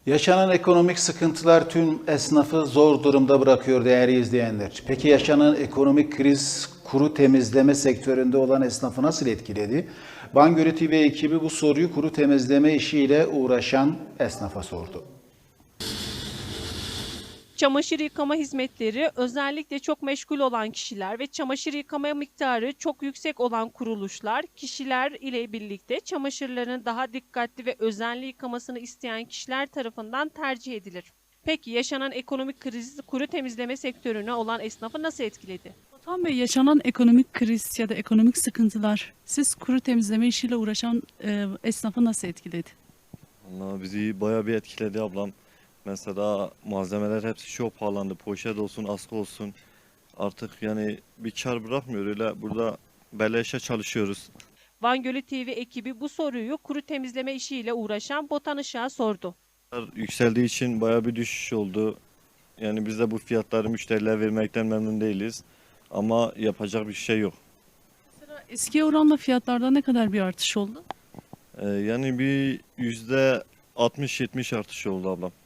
Yaşanan ekonomik sıkıntılar tüm esnafı zor durumda bırakıyor değerli izleyenler. Peki yaşanan ekonomik kriz kuru temizleme sektöründe olan esnafı nasıl etkiledi? Bangölü TV ekibi bu soruyu kuru temizleme işiyle uğraşan esnafa sordu. Çamaşır yıkama hizmetleri özellikle çok meşgul olan kişiler ve çamaşır yıkama miktarı çok yüksek olan kuruluşlar, kişiler ile birlikte çamaşırların daha dikkatli ve özenli yıkamasını isteyen kişiler tarafından tercih edilir. Peki yaşanan ekonomik kriz kuru temizleme sektörüne olan esnafı nasıl etkiledi? Batuhan Bey, yaşanan ekonomik kriz ya da ekonomik sıkıntılar siz kuru temizleme işiyle uğraşan esnafı nasıl etkiledi? Vallahi bizi bayağı bir etkiledi ablam. Mesela malzemeler hepsi çok pahalandı. Poşet olsun, askı olsun. Artık yani bir kar bırakmıyor. Öyle burada beleşe çalışıyoruz. Van Gölü TV ekibi bu soruyu kuru temizleme işiyle uğraşan Botan Işık'a sordu. Yükseldiği için bayağı bir düşüş oldu. Yani biz de bu fiyatları müşterilere vermekten memnun değiliz. Ama yapacak bir şey yok. Mesela eskiye oranla fiyatlarda ne kadar bir artış oldu? Yani bir %60-70 artış oldu ablam.